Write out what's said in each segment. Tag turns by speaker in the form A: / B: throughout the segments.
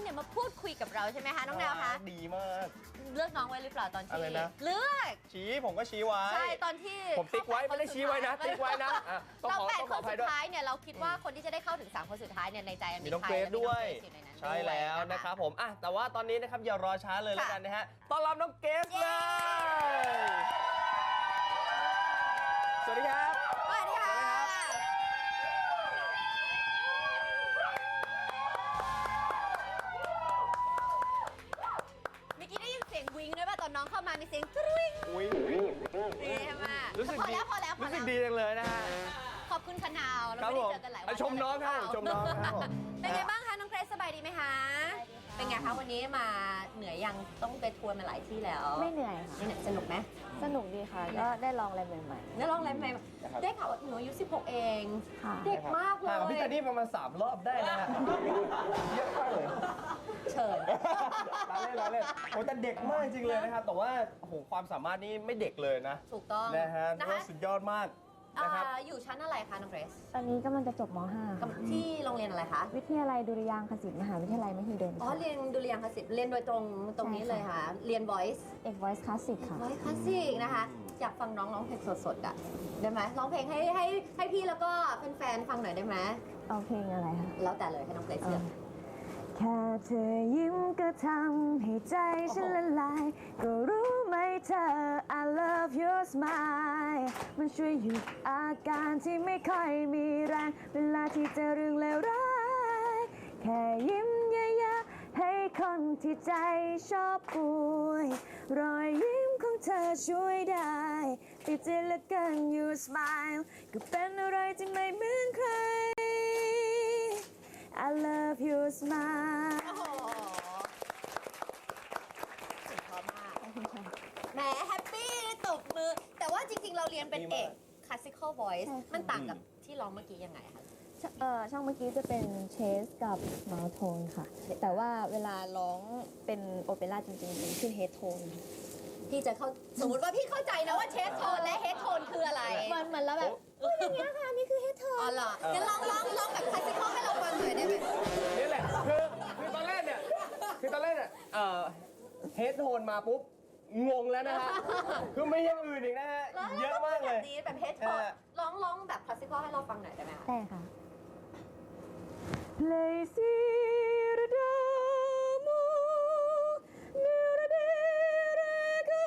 A: เนี่ยมาพูดคุยกับเราใช่ไหมคะน้องแนวคะ
B: ดีมาก
A: เลือกน้องไว้หรือเปล่าตอนที่
B: อะไรนะ
A: เลือก
B: ชี้ผมก็ชี้ไว้
A: ใช่ตอนที่
B: ผมติ๊กไว้ไม่ได้ชี้ไว้นะติ๊กไว้นะต้อง
A: เรา
B: ขอ
A: แปด
B: ต้อง
A: ค
B: ขอน อภั
A: สุ
B: ย
A: ด
B: ด้วย
A: ท้ายเนี่ยเราคิดว่าคนที่จะได้เข้าถึง3คนสุดท้ายเนี่ยในใจ
B: มีน้อง
A: ใค
B: เก
A: ร
B: รซด้วย
A: มีน้องเกรซอยู่ในนั้น
B: ใช่แล้วนะครับผมแต่ว่าตอนนี้นะครับอย่ารอช้าเลยแล้วกันนะฮะต้อนรับน้องเกรซเลยสวัสดีครับ
A: สวัสดีค่ะเมื่อกี้ได้ยินเสียงวิงด้วยป่ะตอนน้องเข้ามามีเสียงกริ๊ง
B: อุ้ย
A: นี่ใช่ไหม
B: รู้สึก
A: พอ
B: ดี
A: แล้วพอแล้วพอ
B: รู้สึ
A: แล้
B: ก
A: ว
B: ดีจังเลยนะฮะ
A: ขอบคุณคณาวเรา
B: ครับ
A: ไม่
B: ผ
A: ได้
B: ม
A: เจอกันหลายวัน
B: ชมน้องครับชมน้องครับผม
A: เป็นไงบ้างคะน้องเกรซสบายดีไหมคะเป็นไงคะวันนี้มาเหนื่อยยังต้องไปทัวร์มาหลายที่แล้ว
C: ไม่เหนื่อย
A: นี่
C: ค่ะ
A: เนี่ยสนุกไหม
C: สนุกดีค่ะ ก็ได้ลองอะไรใหม่
A: แล้วลองอะไรใหม่ได้ข่าวว่าหนูอายุ16 เอง
C: ๆ ค่ะ
A: เด็กมากเล
B: ห่างกับพี่
A: ย
B: ตานี่ประมาณ3 รอบได้นะฮะเยอะมากเลย
A: เชิญ
B: ล้อเล่นโอ้แต่เด็กมากจริงเลยนะครับ แต่ว่าโอ้โหความสามารถนี่ไม่เด็กเลยนะ
A: ถูกต้อง
B: นะฮะ
A: นะคะ
B: สุดยอดมากนะครับ
A: อยู่ชั้นอะไรคะน้องเกรซ
C: ตอนนี้กำลังจะจบม .5 ค่ะ
A: ที่โรงเรียนอะไรคะ
C: วิทยาลัยดุริยางคศิลป์มหาวิทยาลัยมหิดล
A: อ๋อ
C: ค่ะ
A: เรียนดุริยางคศิลป์เรียนโดยตรงนี้เลยค่ะ เรียน voice
C: เอก Voice Classic ค่ะ
A: voice classic นะคะ อยากฟังน้องร้องเพลงสดๆอ่ะได้ไหมร้องเพลงให้พี่แล้วก็แฟนๆฟังหน่อยได้ไหม
C: เอาเพลงอะไรคะ
A: แล้วแต่เลยให้น้องเกรซเลือก
C: แค่เธอยิ้มก็ทำให้ใจฉันละลาย ก็รู้ไหมเธอ I love your smile มันช่วยหยุดอาการที่ไม่ค่อยมีแรง เวลาที่เจอเรื่องเลวร้าย แค่ยิ้มเยอะๆให้คนที่ใจชอบป่วย รอยยิ้มของเธอช่วยได้ติดใจเหลือเกิน your smile ก็เป็นอะไรที่ไม่เหมือนใครI love your smile
A: โอ้โหสุดยอดมากแหมแฮปปี้ตบมือ แต่ว่าจริงๆ เราเรียนเป็นเอก classical voice
C: ใช่ค่ะ
A: มันต่างกับที่ร้องเมื่อกี้ยังไงคะ
C: ช่องเมื่อกี้จะเป็นเชสกับมาโทนค่ะ แต่ว่าเวลาร้องเป็นโอเปร่าจริงๆเป็นขึ้นเฮดโทน
A: พี่จะเข้าสมมติว่าพี่เข้าใจนะว่าเชสโทนและเฮดโทนคืออะไร
C: มันแล้วแบบอย่างเงี้ยค่ะ นี่คือเฮดโท
A: อ๋อน เหรองั้นลองแบบ classical ให้เราฟังหน่อยได้ไหม
B: นี่แหละคือตอนแรกเนี่ยเฮดโทนมาปุ๊บงงแล้วนะฮะคือไม่อยังอื่นอีกนะฮะเยอะมากเลย
A: แบบนี้แบบเฮดโทนร้องแบบ classical ให้เราฟังหน่อยได้ไหมคะ
C: ได้ค่ะ Lazy Radamu Nuradiraku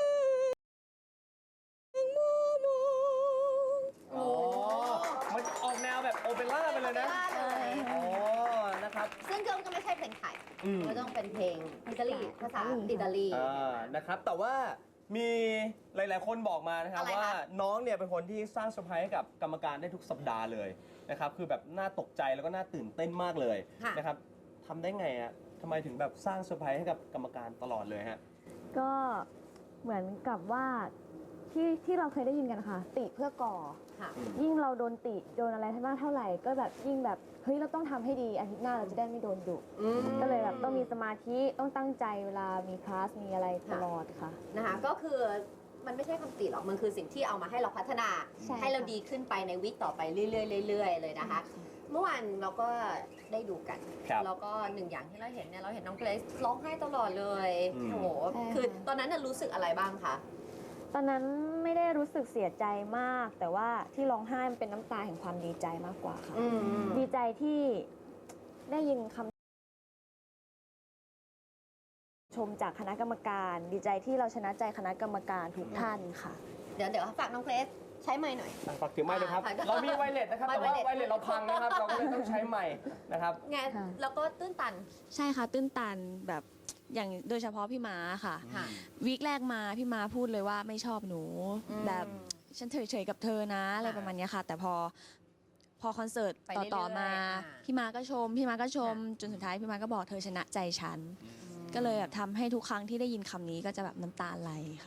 C: Mumu
A: โอ้
B: มันออกแนวแบบโอเปร่าไปเลยนะ
A: ได้เลย
B: อ๋อ นะครับ
A: ซึ่งก็ไม่ใช่เพลงไทย
B: อืม
A: มันต้องเป็นเพลงอิตาลีภาษาอิตาลี
B: นะครับ แต่ว่ามีหลาย ๆ คนบอกมานะครับ
A: อะไรคะ
B: ว่าน้องเนี่ยเป็นคนที่สร้างเซอร์ไพรส์ให้กับกรรมการได้ทุกสัปดาห์เลยนะครับ คือแบบน่าตกใจแล้วก็น่าตื่นเต้นมากเลยนะครับทำได้ไงอะทำไมถึงแบบสร้างเซอร์ไพรส์ให้กับกรรมการตลอดเลยฮะ
C: ก็เหมือนกับว่าที่เราเคยได้ยินกันนะคะติเพื่อก่อ
A: ค่ะ
C: ยิ่งเราโดนติโดนอะไรมากเท่าไหร่ก็แบบยิ่งแบบเฮ้ยเราต้องทำให้ดีอาทิตย์หน้าเราจะได้ไม่โดนดุ ก็เลยแบบต้องมีสมาธิต้องตั้งใจเวลามีคลาสมีอะไรตลอดค่ะ
A: นะคะก็คือมันไม่ใช่คำติหรอกมันคือสิ่งที่เอามาให้เราพัฒนา
C: ใช่
A: ให้เราดีขึ้นไปในวิกต่อไปเรื่อยๆเลยนะคะ เมื่อวานเราก็ได้ดูกัน
B: ครับ
A: แล้วก็หนึ่งอย่างที่เราเห็นเนี่ยเราเห็นน้องเกรซร้องไห้ตลอดเลย
B: อืม
A: โอ้โหคือตอนนั้นน่ะรู้สึกอะไรบ้างคะ
C: ตอนนั้นไม่ได้รู้สึกเสียใจมาก แต่ว่าที่ร้องไห้มันเป็นน้ำตาแห่งความดีใจมากกว่าค่ะ ดีใจที่ได้ยินคำชมจากคณะกรรมการ ดีใจที่เราชนะใจคณะกรรมการทุกท่านค่ะ
A: เดี๋ยวฝากน้องเกรซใช้ไมค์หน่อย
B: ฝากถือไม้เลยครับ
A: อ่า
B: เรามีไวเลสนะครับ แต่ว่าไวเลสเราพังนะครับ เราก็เลยต้องใช้ไม้นะครับ
A: ไง
C: ค่ะ
A: แล้วก็ตื้นตัน
C: ใช่ค่ะตื้นตันแบบอย่างโดยเฉพาะพี่ม้าค่ะ
A: ค่ะ
C: วีคแรกมาพี่ม้าพูดเลยว่าไม่ชอบหนู
A: อืม
C: แบบฉันเฉยๆกับเธอนะอะไรประมาณเนี้ยค่ะ แต่พอคอนเสิร์ต
A: ไปเรื่อยๆ
C: ต่อมา
A: อ่า
C: พี่ม้าก็ชมจนสุดท้ายพี่ม้าก็บอกเธอชนะใจฉัน ก็เลยแบบทำให้ทุกครั้งที่ได้ยินคำนี้ก็จะแบบน้ำตาไหลค่ะ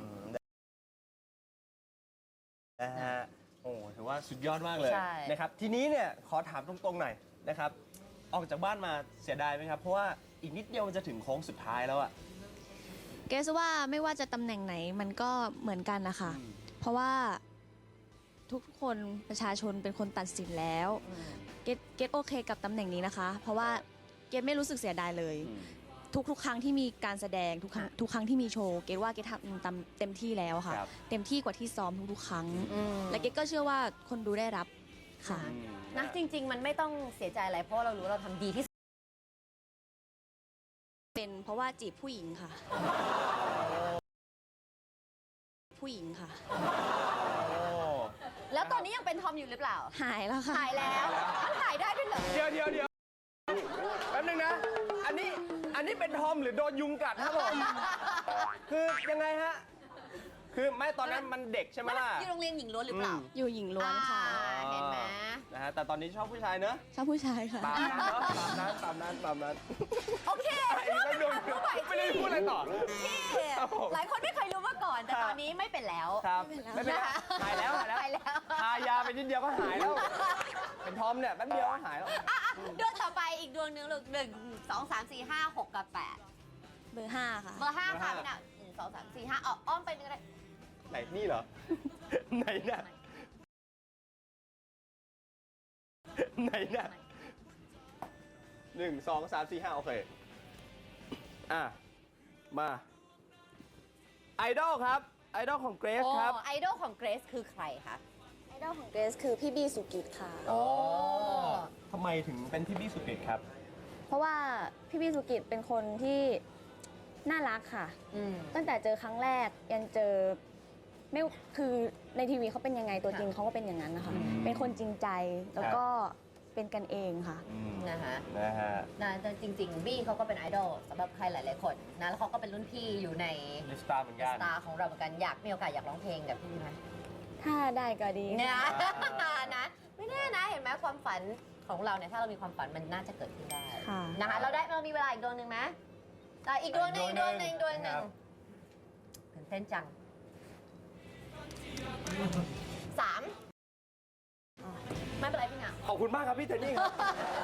B: นะฮะ โอ้ถือว่าสุดยอดมากเลย
A: ใช่
B: นะครับ ทีนี้เนี่ยขอถามตรงๆหน่อยนะครับ ออกจากบ้านมาเสียดายไหมครับ เพราะว่าอีกนิดเดียวมันจะถึงโค้งสุดท้ายแล้วอะ
C: เกสว่าไม่ว่าจะตำแหน่งไหนมันก็เหมือนกันนะคะ เพราะว่าทุกคนประชาชนเป็นคนตัดสินแล้ว เกตโอเคกับตำแหน่งนี้นะคะ เพราะว่า
D: เกดไม่รู้สึกเสียดายเลย ทุกครั้งที่มีการแสดงทุกครั้งที่มีโชว์เกดว่าเกดทำเต็มที่แล้วค่ะ
B: ครับ
D: เต็มที่กว่าที่ซ้อมทุกๆครั้ง และเกดก็เชื่อว่าคนดูได้รับค่ะ
A: นะจริง ๆ มันไม่ต้องเสียใจอะไรเพราะว่าเรารู้ว่าเราทำดีที่สุด
D: เป็นเพราะว่าจีบผู้หญิงค่ะ ผู้หญิงค่ะ
A: แล้วตอนนี้ยังเป็นทอมอยู่หรือเปล่า
D: หายแล้วค่ะ
A: หายแล้วมันหายได้ด้วยเหรอ
B: เดี๋ยวแป๊บนึงนะ อันนี้เป็นทอมหรือโดนยุงกัดครับผม คือยังไงฮะ คือไม่ตอนนั้นมันเด็กใช่ไหมล่ะ
A: อยู่โรงเรียนหญิงล้วนหรือเปล่า
D: อยู่หญิงล้วนค่ะ
A: เห็นไหม
B: นะฮะแต่ตอนนี้ชอบผู้ชายเนอะ
D: ชอบผู้ชายค่ะ
B: ตามนั้นเนอะตามนั้น
A: โอเค
B: อีกแล้วโดนไม่ได้พูดอะไรต่อ
A: พี่
B: ครับผม
A: หลายคนไม่เคยรู้มาก่อน แต่
B: ครับ
A: ตอนนี้ไม่เป็นแล้ว
B: ครับ
D: ไม่
B: ไม่
D: เป็
B: เป็น
D: น
B: ไร
D: ไร
B: หายแล้ว
A: หายแล้ว
B: ทายาไปนิดเดียวก็หายแล้ว เป็นทอมเนี่ยแป๊บเดียวก็หายแล้ว
A: ดวงต่อไปอีกดวงหนึงลูก1 2 3 4 5 6 กับ
D: เบอร์ 5 ค่ะ
A: 8 เบอร์ 5 ค่ะ
B: เบอร์
A: พี่น่ะ1 2 3 4 5อ้อมไปนึงก็ได้
B: ไหนนี่เหรอ ไหนเนี่ยไหนเนี่ย1 2 3 4 5โอเค อ่ะ มาไอดอลครับ ไอดอลของเกรซครับ
A: ไอดอลของเกรซคือใครคะ
D: ไอดอลของเกรซคือพี่บี้สุกิตค่ะ
A: โอ้
B: ทำไมถึงเป็นพี่บี้สุกิตครับ
D: เพราะว่าพี่บี้สุกิตเป็นคนที่น่ารักค่ะ
A: อืม
D: ตั้งแต่เจอครั้งแรกยันเจอไม่คือในทีวีเขาเป็นยังไงตัวจริงเขาก็เป็นอย่างนั้นนะคะ เป็นคนจริงใจแล้วก็เป็นกันเองค่ะ
A: นะคะ
B: นะฮะ
A: นะแต่จริงๆ บี้เขาก็เป็นไอดอลสำหรับใครหลายๆคนนะแล้วเขาก็เป็นรุ่นพี่อยู่ใน
B: ลิสตาร์เหมือนกัน
A: สตาร์ของเราเหมือนกันอยากมีโอกาสอยากร้องเพลงกับพี่ไหม
D: ถ้าได้ก็ดี
A: เนี่ย
D: ค่ะ
A: นะไม่แน่นะเห็นไหมความฝันของเราเนี่ยถ้าเรามีความฝันมันน่าจะเกิดขึ้นได้
D: ค่ะ
A: นะคะเรามีเวลาอีกดวงหนึ่งไหมอีกดวงหนึ่งตื่นเต้นจัง3ไม่เป็นไรพี่หนา
B: ขอบคุณมากครับพี่เทนนี่ครับ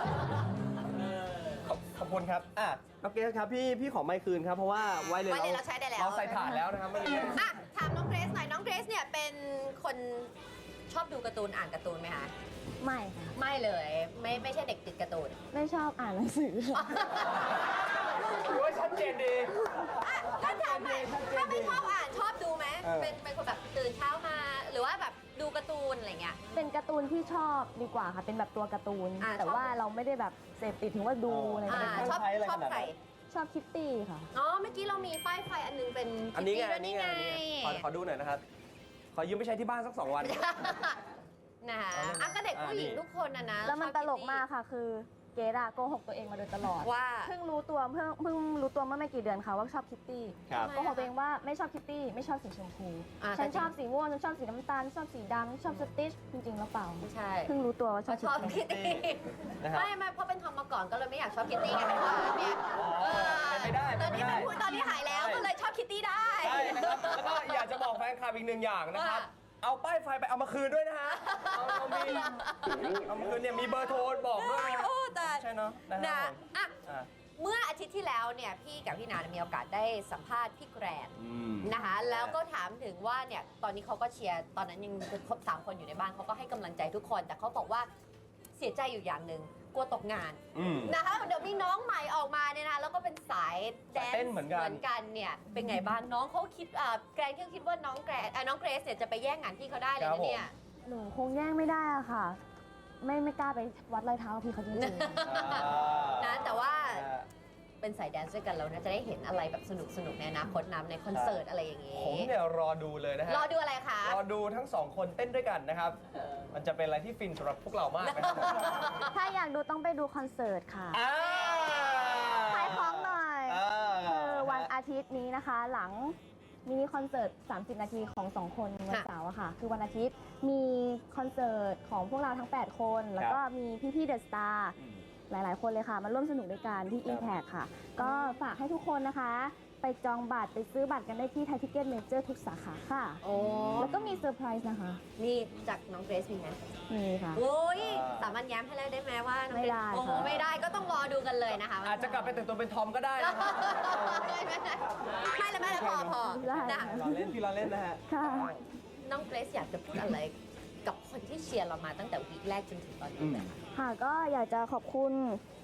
B: ขอบคุณครับ อ่ะน้องเกรซครับพี่ขอไมค์คืนครับ เพราะว่าไวเลย
A: ไว้เลยเราใช้ได้แล้ว
B: เราใส่ถ่านแล้วนะครับเมื่อกี้
A: อ่ะถามน้องเกรซหน่อยน้องเกรซเนี่ยเป็นคนชอบดูการ์ตูนอ่านการ์ตูนไหมคะ
D: ไม่ค่ะ
A: ไม่เลยไม่ใช่เด็กติดการ์ตูน
D: ไม่ชอบอ่านหนังสือค่ะ
B: ถือว่าชัดเจนดี
A: ถ้าถามถ้าไม่ชอบอ่านชอบดูไหม
B: เออ
A: เป็นคนแบบตื่นเช้ามา หรือว่าแบบดูการ์ตูนอะไรเงี้ย
C: เป็นการ์ตูนที่ชอบดีกว่าค่ะ เป็นแบบตัวการ์ตูน
A: อ่า
C: แต่
A: ชอบ
C: ว่าเราไม่ได้แบบเสพติดถึงว่าดูอะไร
A: อ่า
C: แบบนี้
A: ชอบ
B: ใช้อะไร
A: ชอบ
B: ขนาดนั้น
A: ใคร
C: ชอบคิตตี้ค่ะ
A: อ๋อเมื่อกี้เรามีป้ายไฟอันนึงเป็น
B: อันนี้ไง
A: คิตตี้
B: อันนี้ไง
A: ด้วย
B: ขอดูหน่อยนะครับ ขอยืมไปใช้ที่บ้านสัก 2 วัน
A: นะคะอ่ะก็เด็กผู้หญิงทุกคนนะ
C: แล้วมัน
A: ชอบ
C: ตลก
A: คิตตี้
C: มากค่ะ คือเกดอะโกหกตัวเองมาโดยตลอด
A: ว่า
C: เพิ่งรู้ตัวเมื่อไม่กี่เดือนค่ะว่าชอบคิตตี้
B: ครับ
C: โกหกตัวเองว่าไม่ชอบคิตตี้ไม่ชอบสีชมพู
A: อ่า
C: ฉัน
A: แต่จริง
C: ชอบสีม่วงฉันชอบสีน้ำตาลฉันชอบสีดำฉันชอบสติชจริงๆแล้วเปล่า
A: ไม่ใช่
C: เพิ่งรู้ตัวว่าชอบ
A: ชอบ
C: คิตตี้
A: คิตตี้
B: นะครับ
A: ไม่เพราะเป็นทอมมาก่อนก็เลยไม่อยากชอบคิตตี้ไงเป็นว่าเนี่ย
B: เป็นไปได้
A: ตอนนี้
B: เป็นไปได้
A: มันพูดตอนนี้หายแล้ว
B: ใช่
A: ก็เลยชอบคิตตี้ได้
B: ใช่นะครับ แล้วก็อยากจะบอกแฟนคลับอีกหนึ่งอย่างนะครับ
A: ว่า
B: เอาป้ายไฟไปเอามาคืนด้วยนะฮะ เอามาคืนเนี่ยมีเบอร์โทรบอกด้วยนะ
A: โอ้แต่
B: ใช่เนาะนะ
A: นะ
B: ครับผม
A: อ่ะ
B: อ่ะ
A: เมื่ออาทิตย์ที่แล้วเนี่ยพี่กับพี่นามีโอกาสได้สัมภาษณ์พี่แกรน
B: อืม
A: นะคะ แล้วก็ถามถึงว่าเนี่ยตอนนี้เขาก็เชียร์ตอนนั้นยังครบ3 คนอยู่ในบ้านเขาก็ให้กำลังใจทุกคน แต่เขาบอกว่าเสียใจอยู่อย่างหนึ่งกลัวตกงาน
B: อืม
A: นะคะเดี๋ยวมีน้องใหม่ออกมาเนี่ยนะแล้วก็เป็นสายแดน
B: สายเต้นเหมือนกัน
A: เนี่ยเป็นไงบ้างน้องเขาคิดแกรนเขาคิดว่าน้องเกรซเนี่ยจะไปแย่งงานพี่เขาได้เลยนะเนี่ย
C: หนูคงแย่งไม่ได้อะค่ะ ไม่กล้าไปวัดรอยเท้ากับพี่เขาจริง
A: นะแต่ว่าเป็นสายแดนซ์ด้วยกันเรานะจะได้เห็นอะไรแบบสนุกในอนาคตนำในคอนเสิร์ตอะไรอย่างงี้
B: ผมเนี่ยรอดูเลยนะฮะ
A: รอดูอะไรคะ
B: รอดูทั้งสองคนเต้นด้วยกันนะครับ มันจะเป็นอะไรที่ฟินสำหรับพวกเรามากนะครับ
C: ๆ ถ้าอยากดูต้องไปดูคอนเสิร์ตค่ะ
B: อ่า
C: ขายของหน่อย
B: อ่า
C: คือวันอาทิตย์นี้นะคะ หลังมินิคอนเสิร์ต 30 นาทีของ 2 คนวันเสาร์อะค่ะ คือวันอาทิตย์มีคอนเสิร์ตของพวกเราทั้ง 8 คน แล้วก็มีพี่ๆเดอะสตาร์
B: อืม
C: หลาย ๆ คนเลยค่ะ มาร่วมสนุกด้วยกันที่ Impact ค่ะ ก็ฝากให้ทุกคนนะคะ ไปจองบัตรไปซื้อบัตรกันได้ที่ไทยทิเก็ตเมเจอร์ทุกสาขาค่ะ
A: โอ้
C: แล้วก็มีเซอร์ไพรส์นะคะ
A: นี่จากน้องเกรซมีไหม
C: มีค่ะ
A: โอ้ยสามารถย้ำให้ได้ไหมว่าน้องเกรซ
C: ไม่ได้
A: โอ้โห
C: ค่ะ
A: ไม่ได้ก็ต้องรอดูกันเลยนะคะ
B: อาจจะกลับไปแต่งตัวเป็นทอมก็ได้นะครับ
A: ไม่เลยพอ
C: ได้
A: นะ
B: เราเล่นพี่เราเล่นนะฮะ
C: ค่ะ
A: น้องเกรซอยากจะพูดอะไรกับคนที่เชียร์เรามาตั้งแต่วีคแรกจนถึงตอนนี้เลยค่ะ
C: ค่ะก็อยากจะขอบคุณ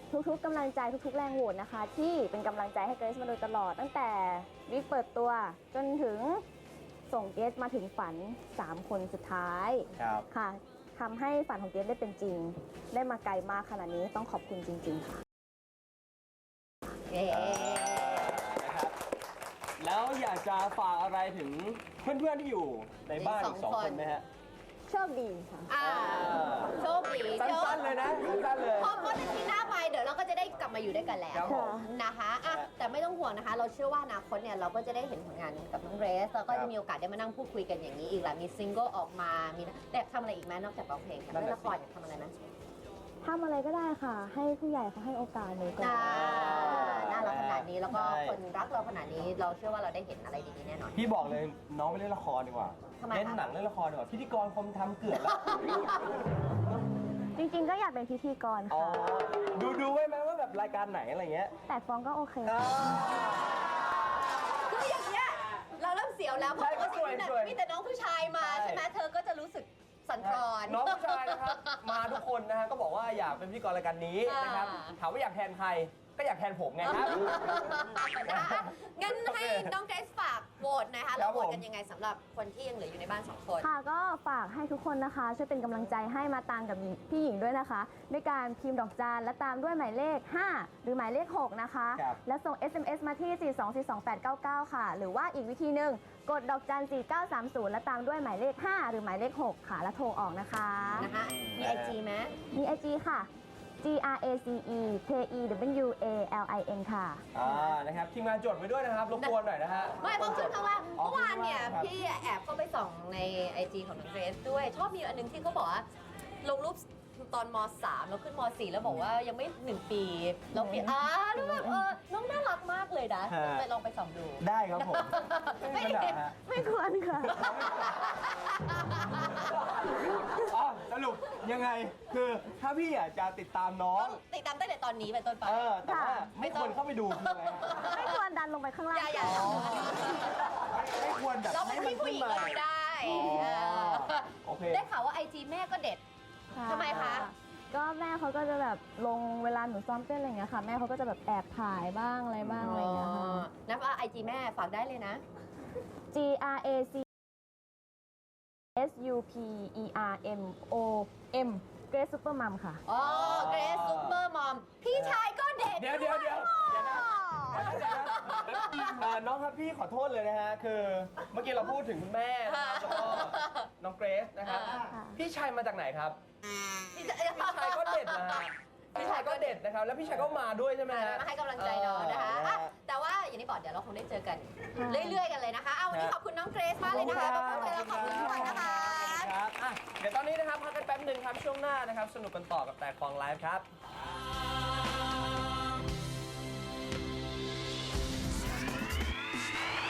D: ทุกๆกำลังใจทุกๆแรงโหวตนะคะ ที่เป็นกำลังใจให้เกรซมาโดยตลอดตั้งแต่วิกเปิดตัวจนถึงส่งเกรซมาถึงฝัน 3 คนสุดท้าย
B: ครับ
D: ค่ะทำให้ฝันของเกรซได้เป็นจริง ได้มาไกลมากขนาดนี้ต้องขอบคุณจริง ๆ ค่ะ
A: เย้
B: นะครับแล้วอยากจะฝากอะไรถึงเพื่อนๆที่อยู่ในบ้านอีก 2 คนไหมฮะ
D: โชคดีค่ะ
A: โชคดี
B: สั้นๆเลยนะสั้นๆเลย
A: พอพ้นอาทิตย์หน้าไปเดี๋ยวเราก็จะได้กลับมาอยู่ด้วยกันแล้ว
B: ครับผม
A: นะคะแต่ไม่ต้องห่วงนะคะ เราเชื่อว่าอนาคตเนี่ยเราก็จะได้เห็นผลงานกับน้องเรสแล้วก็
B: ครั
A: จะ
B: บ
A: มีโอกาสได้มานั่งพูดคุยกันอย่างนี้อีกแหละมีซิงเกิลออกมามีแต่ทำอะไรอีกไหมนอกจากร้องเพลงค่ะ
B: นั่น
A: เล่น
B: น่ะ
A: ละครอยากทำอะไรไหม
D: ทำอะไรก็ได้ค่ะ ให้ผู้ใหญ่เขาให้โอกาสหนูก่อน
A: น่ารักขนาดนี้แล้วก็
B: ใช่
A: คนรักเราขนาดนี้ เราเชื่อว่าเราได้เห็นอะไรดีๆแน่นอน
B: พี่บอกเลยน้องไปเล่นละครดีกว่า
A: ทำไมคะ
B: เล่นหนังเล่นละครดีกว่าพิธีกรคมทำเกือบแล้ว
D: จริงๆก็อยากเป็นพิธีกร
B: อ๋อ
D: ค่ะ
B: ดูไว้ไหมว่าแบบรายการไหนอะไรเงี้ย
D: แต่ฟ้องก็โอเค
A: คืออย่างเงี้ยเราเริ่มเสียวแล้วเพราะว่ามีแต่น้องผู้ชายมาใช่ไหมเธอก็จะรู้สึกสั่นคลอน
B: น้องผู้ชายนะครับ มาทุกคนนะฮะก็บอกว่าอยากเป็นพิธีกรรายการนี้นะครับ ถามว่าอยากแทนใครก็อยากแทนผมไงครับ
A: นะคะงั้นให้น้องเกรซฝากโหวตหนะคะ
B: ครั
A: เรา
B: บ
A: โหวต
B: ผม
A: กันยังไงสำหรับคนที่ยังเหลืออยู่ในบ้าน 2 คน
D: ค่ะก็ฝากให้ทุกคนนะคะช่วยเป็นกำลังใจให้มาตามกับพี่หญิงด้วยนะคะด้วยการพิมพ์ดอกจานและตามด้วยหมายเลข 5 หรือหมายเลข 6 นะคะ
B: ครับ
D: และส่ง SMS มาที่ 4242899 ค่ะ หรือว่าอีกวิธีหนึ่งกดดอกจัน 4930 และตามด้วยหมายเลข 5 หรือหมายเลข 6 ค่ะ แล้วโทรออกนะคะ
A: นะคะมีไอจีไหม
D: มี IG ค่ะ GRACEKEWALIN ค่ะ
B: นะครับทีมงานจดไว้ด้วยนะครับรบกวนหน่อยนะฮะ
A: ไม่เพราะขึ้นข้างล่าง
B: อ๋อ
A: เมื่อวานเนี่ย
B: ครับ
A: พี่แอบเข้าไปส่องในไอจีของน้องเกรซด้วย ชอบมีอันหนึงที่เขาบอกว่า ลงรูปตอนม .3 แล้วขึ้นม .4 แล้วบอกว่ายังไม่ 1 ปีเราเปลี่ยนแล้วแบบน้องน่ารักมากเลยนะ
B: ฮะ
A: ไปลองไปส่องดู
B: ได้ครับผมไม่มีปัญหาฮะ
D: ไม่ควรค่ะ
B: อ๋อสรุปยังไงคือถ้าพี่อยากจะติดตามน้อ
A: ต้อง งติดตามตั้งแต่ตอนนี้เป็นต้นไป
B: แต่ว่าไม่ควรเข้าไปดูคืออะไรฮะ
D: ไม่ควรดันลงไปข้างล่าง
A: อย่า
B: อ๋อไม่ควรแบบ
A: เราเป็นพี่ผู้หญิงเราดูได้
B: อ๋อ
A: เออ
B: โอเค
A: ได้ข่าวว่าไอจีแม่ก็เด็ด ทำไมคะ
D: ก็แม่เขาก็จะแบบลงเวลาหนูซ้อมเต้นอะไรอย่างเงี้ยค่ะ แม่เขาก็จะแบบแอบถ่ายบ้างอะไรบ้างอะไรอย่างเงี้ยค่ะ
A: นับว่าไอจีแม่ฝากได้เลยนะ
D: GRACSUPERMOM Grace Supermom ค่ะ
A: อ๋อ เกรซซุปเปอร์มอม พี่ชายก็เด็ด
B: เดี๋ยวนะน้องครับพี่ขอโทษเลยนะฮะ คือเมื่อกี้เราพูดถึงคุณแม่นะครับแล้วก็น้องเกรซนะครับ พี่ชายมาจากไหนครับ พี่ชายก็เด็ดนะฮะ พี่ชายก็เด็ดนะครับ แล้วพี่ชายก็มาด้วยใช่ไหมฮะ
A: มาให้กำลังใจน้องนะคะอ่ะแต่ว่าอย่างที่บอกเดี๋ยวเราคงได้เจอกัน เรื่อยๆกันเลยนะคะเอาวันนี้ขอบคุณน้องเกรซมากเลยนะคะขอบคุณแล้วขอบคุณทุกคนนะคะ
B: ครับอ่ะเดี๋ยวตอนนี้นะครับพักกันแป๊บหนึ่งครับ ช่วงหน้านะครับ สนุกกันต่อกับแต่คลองไลฟ์ครับ
A: ค